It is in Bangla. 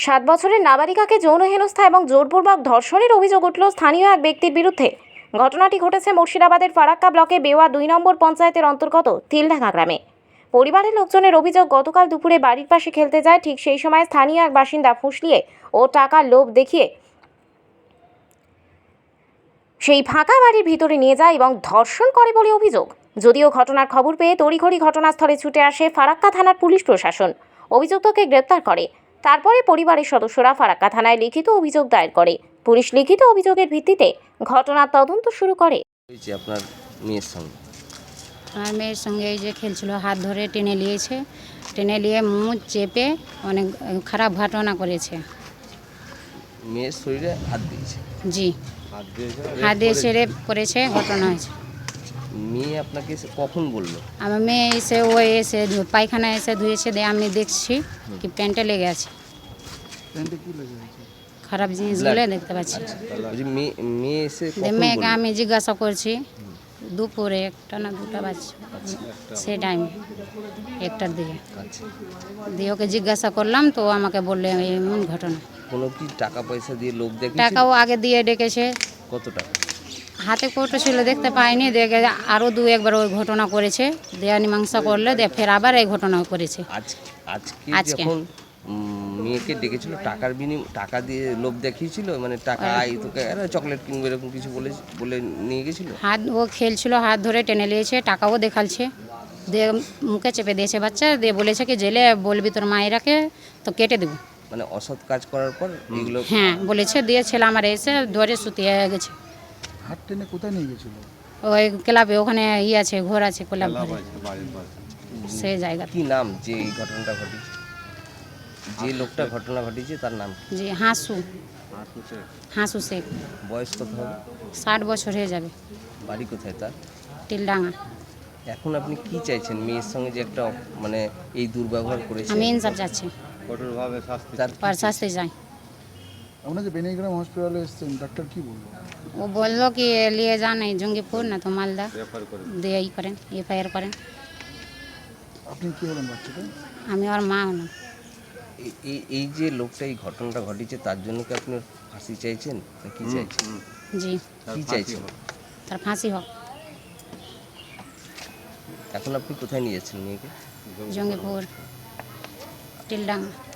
7 বছরের নাবালিকাকে যৌন হেনস্থা এবং জোরপূর্বক ধর্ষণের অভিযোগ উঠল স্থানীয় এক ব্যক্তির বিরুদ্ধে। ঘটনাটি ঘটেছে মুর্শিদাবাদের ফারাক্কা ব্লকে বেওয়া 2 নম্বর পঞ্চায়েতের অন্তর্গত তিলডাঙ্গা গ্রামে। পরিবারের লোকজনের অভিযোগ, গতকাল দুপুরে বাড়ির পাশে খেলতে যায়, ঠিক সেই সময় স্থানীয় এক বাসিন্দা ফুঁসলিয়ে ও টাকার লোভ দেখিয়ে সেই ফাঁকা বাড়ির ভিতরে নিয়ে যায় এবং ধর্ষণ করে বলে অভিযোগ। যদিও ঘটনার খবর পেয়ে তড়িঘড়ি ঘটনাস্থলে ছুটে আসে ফারাক্কা থানার পুলিশ প্রশাসন, অভিযুক্তকে গ্রেপ্তার করে। তারপরে পরিবারের সদস্যরা ফারাক্কা থানায় লিখিত অভিযোগ দায়ের করে। পুলিশ লিখিত অভিযোগের ভিত্তিতে ঘটনার তদন্ত শুরু করে। আপনার মেয়ের সঙ্গে আমার মেয়ের সঙ্গে এই যে খেলছিল, হাত ধরে টেনে নিয়েছে, টেনে নিয়ে মুখ চেপে অনেক খারাপ ঘটনা করেছে। মেয়ের শরীরে হাত দিয়েছে? জি, হাত দিয়ে ছেড়ে করেছে, ঘটনা হয়েছে। মেয়ে আপনাকে কখন বললো? আমার মেয়ে এসে পায়খানা এসে ধুয়েছে, দিয়ে আমি দেখছি কি প্যান্টে লেগে আছে, খারাপ জিনিসগুলো দেখতে পাচ্ছি। মেয়ে এসে মেয়েকে আমি জিজ্ঞাসা করছি দুপুরে 1টা না 2টা বাজছে, সেই টাইমে 1টার দিকে। দিয়ে ওকে জিজ্ঞাসা করলাম, তো আমাকে বললে এমন ঘটনা। কোনো কি টাকা পয়সা দিয়ে লোক দেখে? টাকাও আগে দিয়ে ডেকেছে। কত টাকা? হাতে কৌটো ছিল, দেখতে পাইনি, দেখে আরও 2-1বার ওই ঘটনা করেছে, দেয়া মীমাংসা করলে দিয়ে ফের আবার এই ঘটনা করেছে। আজকে যখন মেয়েকে ডেকেছিল, টাকা দিয়ে লোভ দেখিয়েছিল, মানে টাকা তোকে চকলেট কিনবে এরকম কিছু বলে নিয়ে গেছিল। ও খেলছিল, হাত ধরে টেনে নিয়েছে, টাকাও দেখালছে, দিয়ে মুখে চেপে দিয়েছে বাচ্চা, দিয়ে বলেছে কি জেলে বলবি তোর মায়েরাকে, তো কেটে দেবো। মানে অসৎ কাজ করার পর এগুলো? হ্যাঁ বলেছে, দিয়ে ছেলে আমার এসে ধরে শুতিয়ে গেছে। হাত টেনে কোথায় নিয়ে গেছিল? ওই ক্লাবে, ওখানে আছে, ঘর আছে ক্লাব, সেই জায়গা। কি নাম যে এই ঘটনাটা ঘটেছে, যে লোকটা ঘটনা ঘটিয়েছে তার নাম? জি, হাসু শেখ। বয়স কত হবে? 60 বছর হয়ে যাবে। বাড়ি কোথায় তার? তিলডাঙ্গা। এখন আপনি কি চাইছেন? মেয়ের সঙ্গে যে একটা মানে এই দুর্ব্যবহার করেছে, আমি ইনসাফ চাচ্ছি, কঠোরভাবে শাস্তি চাই। আপনার যে বেনিগ্রাম হসপিটালে এসেছেন, ডাক্তার কি বললো? ও বললো কি নিয়ে যান এই জঙ্গিপুর, না তো মালদা, দিয়ে করেন, এফআইআর করেন। আপনি কি হলেন বাচ্চাটা? আমি ওর মা হলাম। এই যে লোকটা এই ঘটনাটা ঘটিয়েছে, তার জন্য কি আপনি ফাঁসি চাইছেন না কি চাইছেন? জি, কি চাইছেন? তার ফাঁসি হোক। এখন আপনি কোথায় নিয়ে যাচ্ছেন মেয়েকে? জঙ্গিপুর, তিলডাঙ্গা।